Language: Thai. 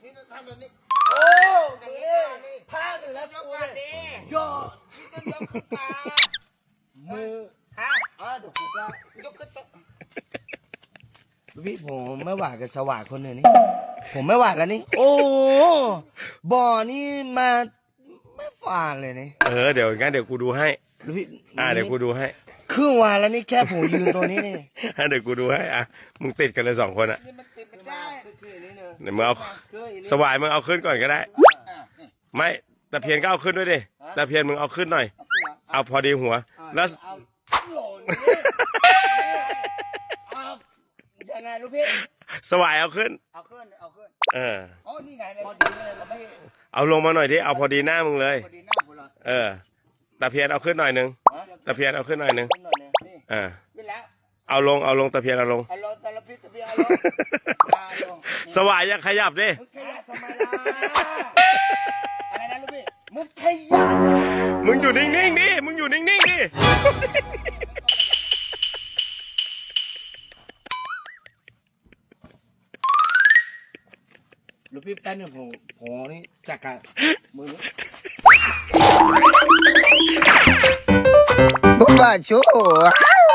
นี่ก็ทำแบบนี้โอ้นี่ท่าหนึ่งแล้วยกกูก่อเลนยดิย่อนี่ต้องยกขึ้นมามือฮะเดี๋ยวกูก็ยกขึ้นโต๊ะพี่ผมไม่หวาดกับสว่างคนหนึ่งนี่ผมไม่หวาดแล้วนี่โอ้บ่อนี่มาไม่ฝาดเลยนี่เดี๋ยวงั้นเดี๋ยวกูดูให้แล้วพี่เดี๋ยวกูดูให้ครึ่งวันแล้วนี่แค่ผมยืนตัวนี้นี่เดี๋ยวกูดูให้มึงติดกันเลย2 คนอะนี่มันติดไม่ได้เดี๋ยวมึงเอาสวายมึงเอาขึ้นก่อนก็ได้นี่ไม่ตะเพียนก็เอาขึ้นด้วยดิตะเพียนมึงเอาขึ้นหน่อยเอาขึ้นมาเอาพอดีหัว แล้วเอาหล่นนี่เอายังไงลูกพี่สวายเอาขึ้นเอาขึ้นอ๋อนี่ไงพอดีเลยลูกพี่เอาลงมาหน่อยดิเอาพอดีหน้ามึงเลยพอดีหน้าผมเลยตะเพียนเอาขึ้นหน่อยนึงตะเพียนเอาขึ้นหน่อยนึงขึ้นหน่อยนึงนี่เขึ้นแล้วเอาลงตะเพียนเอาลงเอาลงแต่ละพิษตะเพียเอาลงสวายอย่าขยับดิมึงขยับทำไมล่ะอะไรนะลูกพี่มึงขยับมึงอยู่นิ่งๆดิมึงอยู่นิ่งๆดิลูกพี่แป๊บนึงผมนี่จัดการมือ Buba,